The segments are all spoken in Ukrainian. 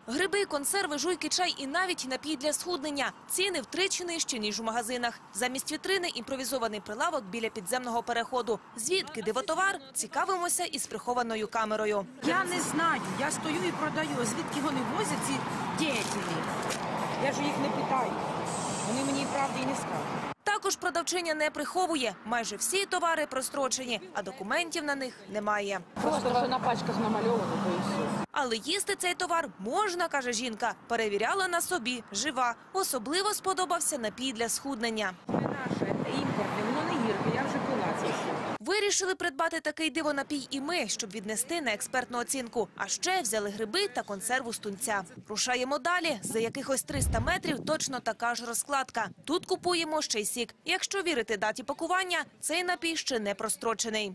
Гриби, консерви, жуйки, чай і навіть напій для схуднення. Ціни втричі нижчі, ніж у магазинах. Замість вітрини – імпровізований прилавок біля підземного переходу. Звідки дивотовар? Цікавимося із прихованою камерою. Я не знаю, я стою і продаю. Звідки вони возять ці діятелі? Я ж їх не питаю. Вони мені правди і не скажуть. Також продавчиня не приховує. Майже всі товари прострочені, а документів на них немає. Просто що на пачках намальовано, то і все. Але їсти цей товар можна, каже жінка. Перевіряла на собі, жива. Особливо сподобався напій для схуднення. Це наше, це імпортне, воно не гірке, я вже пила це все. Вирішили придбати такий дивонапій і ми, щоб віднести на експертну оцінку. А ще взяли гриби та консерву з тунця. Рушаємо далі. За якихось 300 метрів точно така ж розкладка. Тут купуємо ще й сік. Якщо вірити даті пакування, цей напій ще не прострочений.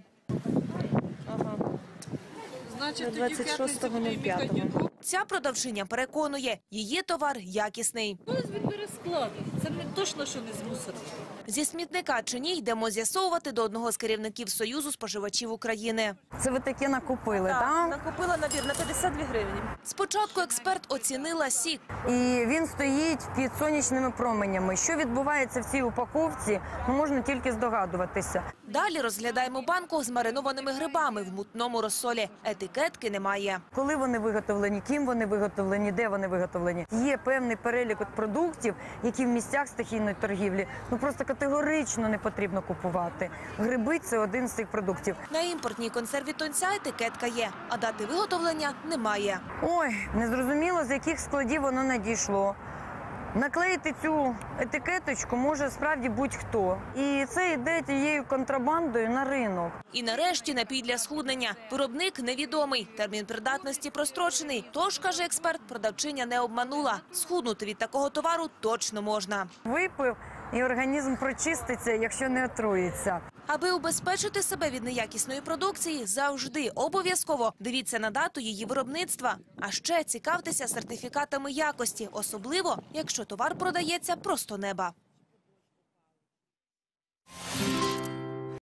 Значить, 26.05. Ця продавчиня переконує, її товар якісний. Ось він бере складу. Це не точно, що не з мусору. Зі смітника чи ні, йдемо з'ясовувати до одного з керівників Союзу споживачів України. Це ви таке накупили, так? Накупила набір на 52 гривні. Спочатку експерт оцінила сік. І він стоїть під сонячними променями. Що відбувається в цій упаковці, можна тільки здогадуватися. Далі розглядаємо банку з маринованими грибами в мутному розсолі. Етикетки немає. Коли вони виготовлені, ким вони виготовлені, де вони виготовлені. Є певний перелік продуктів, які в місцях стихійної торгівлі просто категорично не потрібно купувати. Гриби – це один з цих продуктів. На імпортній консерві тунця етикетка є, а дати виготовлення немає. Ой, незрозуміло, з яких складів воно надійшло. Наклеїти цю етикеточку може справді будь-хто. І це йде тією контрабандою на ринок. І нарешті напій для схуднення. Виробник невідомий, термін придатності прострочений. Тож, каже експерт, продавчиня не обманула. Схуднути від такого товару точно можна. Випив і організм прочиститься, якщо не отруїться. Аби убезпечити себе від неякісної продукції, завжди обов'язково дивіться на дату її виробництва. А ще цікавтеся сертифікатами якості, особливо, якщо товар продається просто неба.